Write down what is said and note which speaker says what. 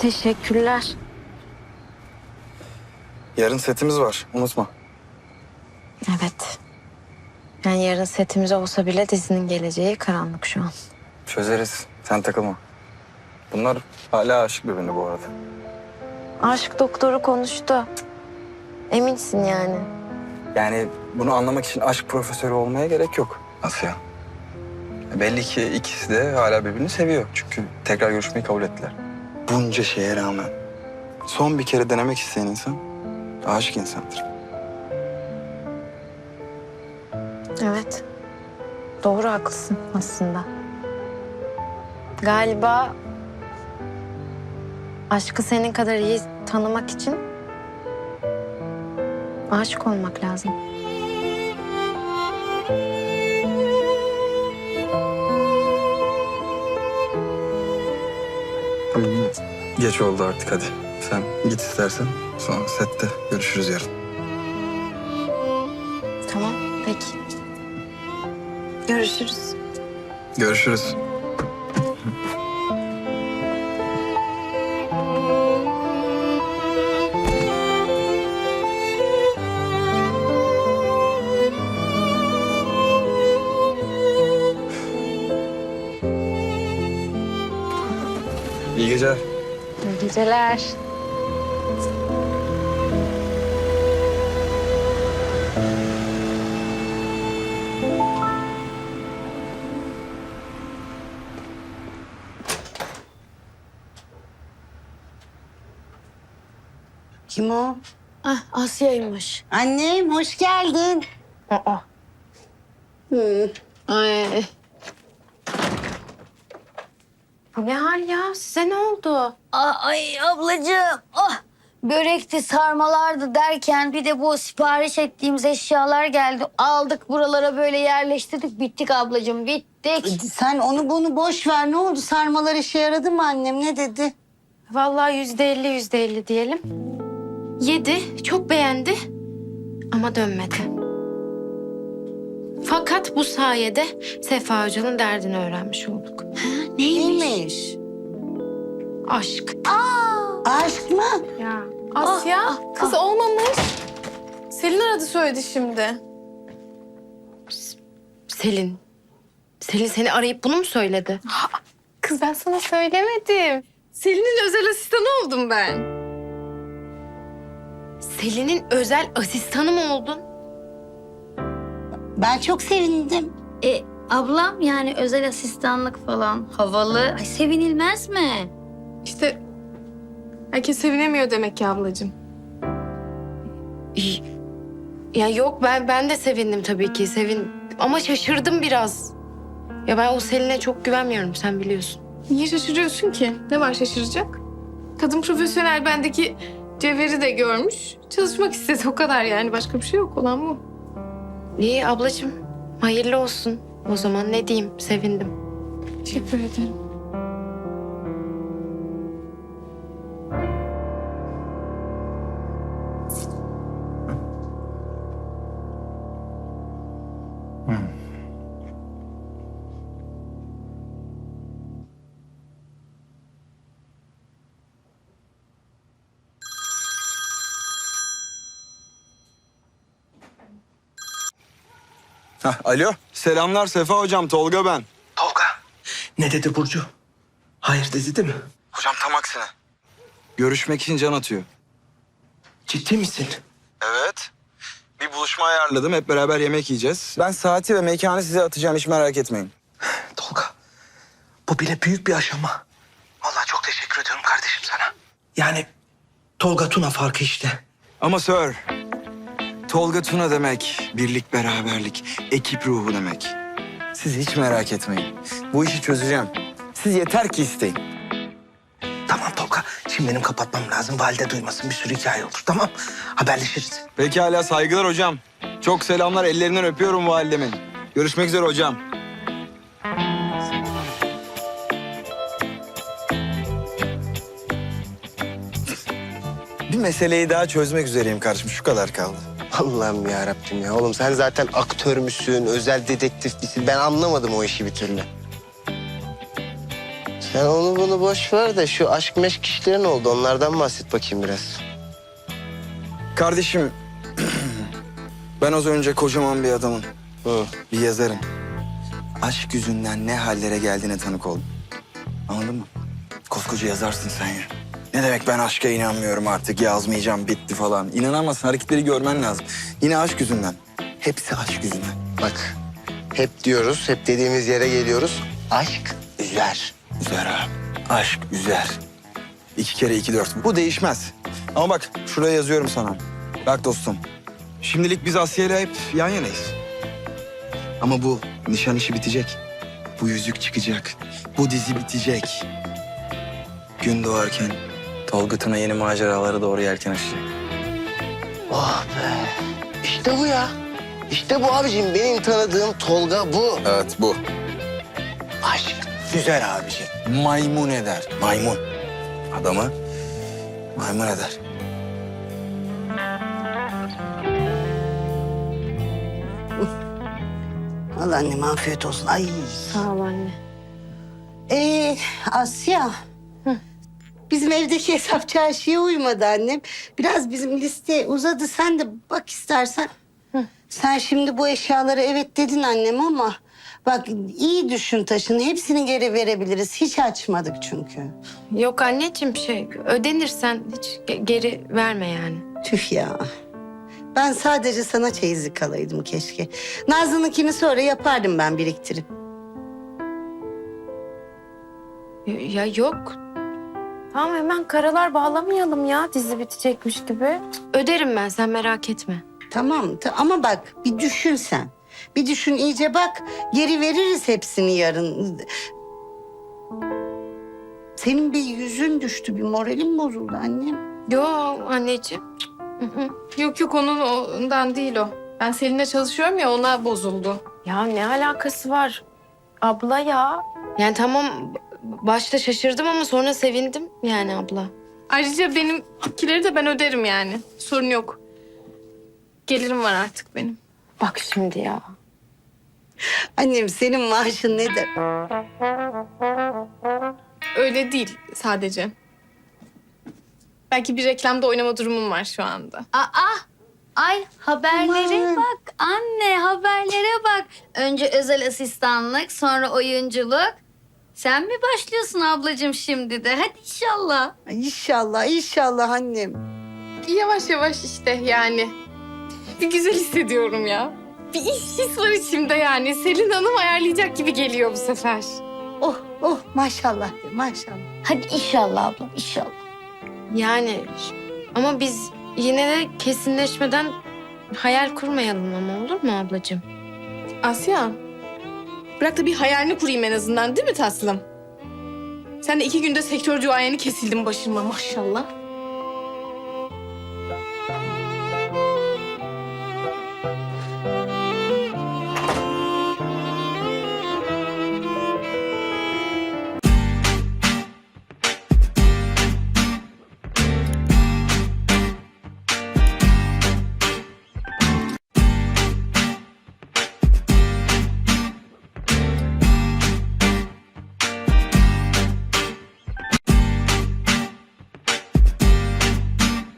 Speaker 1: Teşekkürler.
Speaker 2: Yarın setimiz var, unutma.
Speaker 1: Evet. Yani yarın setimiz olsa bile dizinin geleceği karanlık şu an.
Speaker 2: Çözeriz, sen takılma. Bunlar hala aşık birbirine bu arada.
Speaker 1: Aşk doktoru konuştu. Eminsin yani.
Speaker 2: Yani bunu anlamak için aşk profesörü olmaya gerek yok Asya. Belli ki ikisi de hala birbirini seviyor. Çünkü tekrar görüşmeyi kabul ettiler. Bunca şeye rağmen son bir kere denemek isteyen insan aşık insandır.
Speaker 1: Evet. Doğru, haklısın aslında. Galiba aşkı senin kadar iyi tanımak için aşık olmak lazım.
Speaker 2: Tamam, geç oldu artık, hadi. Sen git istersen, sonra sette görüşürüz yarın.
Speaker 1: Tamam, peki. Görüşürüz.
Speaker 2: Görüşürüz. İyi geceler.
Speaker 1: İyi geceler.
Speaker 3: Kim o?
Speaker 1: Ah, Asya'ymış.
Speaker 3: Annem, hoş geldin.
Speaker 1: Aa. Ay. Bu ne hal ya? Size ne oldu?
Speaker 4: Ay ablacığım, börekti, sarmalardı derken bir de bu sipariş ettiğimiz eşyalar geldi. Aldık buralara böyle yerleştirdik, bittik ablacığım, bittik.
Speaker 3: Sen onu bunu boş ver. Ne oldu? Sarmalar işe yaradı mı annem? Ne dedi?
Speaker 1: Vallahi %50 diyelim. Yedi, çok beğendi ama dönmedi. Fakat bu sayede Sefa Hoca'nın derdini öğrenmiş olduk.
Speaker 3: Neymiş?
Speaker 1: Aşk.
Speaker 3: Aşk mı?
Speaker 1: Ya.
Speaker 5: Asya, kız olmamış. Selin aradı söyledi şimdi.
Speaker 1: Selin. Selin seni arayıp bunu mu söyledi?
Speaker 5: Kız ben sana söylemedim. Selin'in özel asistanı oldum ben.
Speaker 1: Selin'in özel asistanı mı oldun?
Speaker 3: Ben çok sevindim.
Speaker 4: Ablam yani özel asistanlık falan havalı. Ay sevinilmez mi?
Speaker 5: İşte herkes sevinemiyor demek ki ablacığım.
Speaker 1: Ya yok, ben de sevindim tabii ki. Ama şaşırdım biraz. Ya ben o Selin'e çok güvenmiyorum, sen biliyorsun.
Speaker 5: Niye şaşırıyorsun ki? Ne var şaşıracak? Kadın profesyonel, bendeki cevheri de görmüş. Çalışmak istedi, o kadar yani. Başka bir şey yok, olan bu.
Speaker 1: İyi ablacığım, hayırlı olsun. O zaman ne diyeyim, sevindim.
Speaker 5: Teşekkür ederim.
Speaker 2: Alo, selamlar Sefa hocam, Tolga ben.
Speaker 6: Tolga. Ne dedi Burcu? Hayır dedi değil mi?
Speaker 2: Hocam tam aksine. Görüşmek için can atıyor.
Speaker 6: Ciddi misin?
Speaker 2: Evet. Bir buluşma ayarladım, hep beraber yemek yiyeceğiz. Ben saati ve mekanı size atacağım, hiç merak etmeyin.
Speaker 6: Tolga. Bu bile büyük bir aşama. Vallahi çok teşekkür ediyorum kardeşim sana. Yani Tolga Tuna farkı işte.
Speaker 2: Ama Sir, Tolga Tuna demek birlik, beraberlik, ekip ruhu demek. Siz hiç merak etmeyin. Bu işi çözeceğim. Siz yeter ki isteyin.
Speaker 6: Tamam Tolga. Şimdi benim kapatmam lazım. Valide duymasın, bir sürü hikaye olur. Tamam. Haberleşiriz.
Speaker 2: Pekala, saygılar hocam. Çok selamlar, ellerinden öpüyorum validemin. Görüşmek üzere hocam. Bir meseleyi daha çözmek üzereyim kardeşim. Şu kadar kaldı.
Speaker 7: Allah'ım ya Rabbim ya. Oğlum sen zaten aktör müsün, özel dedektif misin? Ben anlamadım o işi bir türlü. Sen onu bunu boş ver de şu aşk meşk işleri ne oldu? Onlardan bahset bakayım biraz.
Speaker 2: Kardeşim, ben az önce kocaman bir adamın,
Speaker 7: Hı.
Speaker 2: bir yazarın aşk yüzünden ne hallere geldiğine tanık oldum. Anladın mı? Koskoca yazarsın sen ya. Ne demek ben aşka inanmıyorum artık, yazmayacağım, bitti falan. İnanamazsın, hareketleri görmen lazım. Yine aşk yüzünden. Hepsi aşk yüzünden.
Speaker 7: Bak hep diyoruz, hep dediğimiz yere geliyoruz. Aşk üzer.
Speaker 2: Üzer abi. Aşk üzer. 2 kere 2 4. Bu değişmez. Ama bak şuraya yazıyorum sana. Bak dostum. Şimdilik biz Asya'yla hep yan yanayız. Ama bu nişan işi bitecek. Bu yüzük çıkacak. Bu dizi bitecek. Gün doğarken Tolga Tuna yeni maceralara doğru yelken açacak.
Speaker 7: Oh be. İşte bu ya. İşte bu abicim. Benim tanıdığım Tolga bu.
Speaker 2: Evet bu.
Speaker 7: Aşk üzer abicim.
Speaker 2: Maymun eder. Maymun. Adamı maymun eder.
Speaker 3: Allah annem afiyet olsun. Ay.
Speaker 1: Sağ ol anne.
Speaker 3: Asya. Bizim evdeki hesap çarşıya uymadı annem. Biraz bizim liste uzadı. Sen de bak istersen. Sen şimdi bu eşyalara evet dedin annem ama... Bak iyi düşün taşını. Hepsini geri verebiliriz. Hiç açmadık çünkü.
Speaker 1: Yok anneciğim ödenirsen hiç geri verme yani.
Speaker 3: Tüh ya. Ben sadece sana çeyizlik alaydım keşke. Nazlı'nınkini sonra yapardım ben biriktirip.
Speaker 1: Ya yok. Tamam hemen karalar bağlamayalım ya dizi bitecekmiş gibi. Öderim ben sen merak etme.
Speaker 3: Tamam ama bak bir düşün sen. Bir düşün iyice bak. Geri veririz hepsini yarın. Senin bir yüzün düştü, bir moralin bozuldu annem.
Speaker 1: Yok anneciğim.
Speaker 5: Yok ondan değil o. Ben Selin'le çalışıyorum ya ona bozuldu.
Speaker 1: Ya ne alakası var abla ya? Yani tamam başta şaşırdım ama sonra sevindim yani abla.
Speaker 5: Ayrıca benimkileri de ben öderim yani. Sorun yok. Gelirim var artık benim.
Speaker 1: Bak şimdi ya.
Speaker 3: Annem senin maaşın nedir?
Speaker 5: Öyle değil sadece. Belki bir reklamda oynama durumum var şu anda.
Speaker 4: Ay haberlere
Speaker 3: Aman.
Speaker 4: bak anne haberlere bak. Önce özel asistanlık sonra oyunculuk. Sen mi başlıyorsun ablacığım şimdi de? Hadi inşallah.
Speaker 3: Ay, İnşallah, inşallah annem.
Speaker 5: Yavaş yavaş işte yani. Bir güzel hissediyorum ya. Bir his var içimde yani. Selin Hanım ayarlayacak gibi geliyor bu sefer.
Speaker 3: Oh maşallah de, maşallah.
Speaker 4: Hadi inşallah ablam inşallah.
Speaker 1: Yani ama biz yine de kesinleşmeden hayal kurmayalım ama olur mu ablacığım?
Speaker 5: Asya, bırak da bir hayalini kurayım en azından değil mi tatlım? Sen de 2 günde sektör duayeni kesildin başıma maşallah.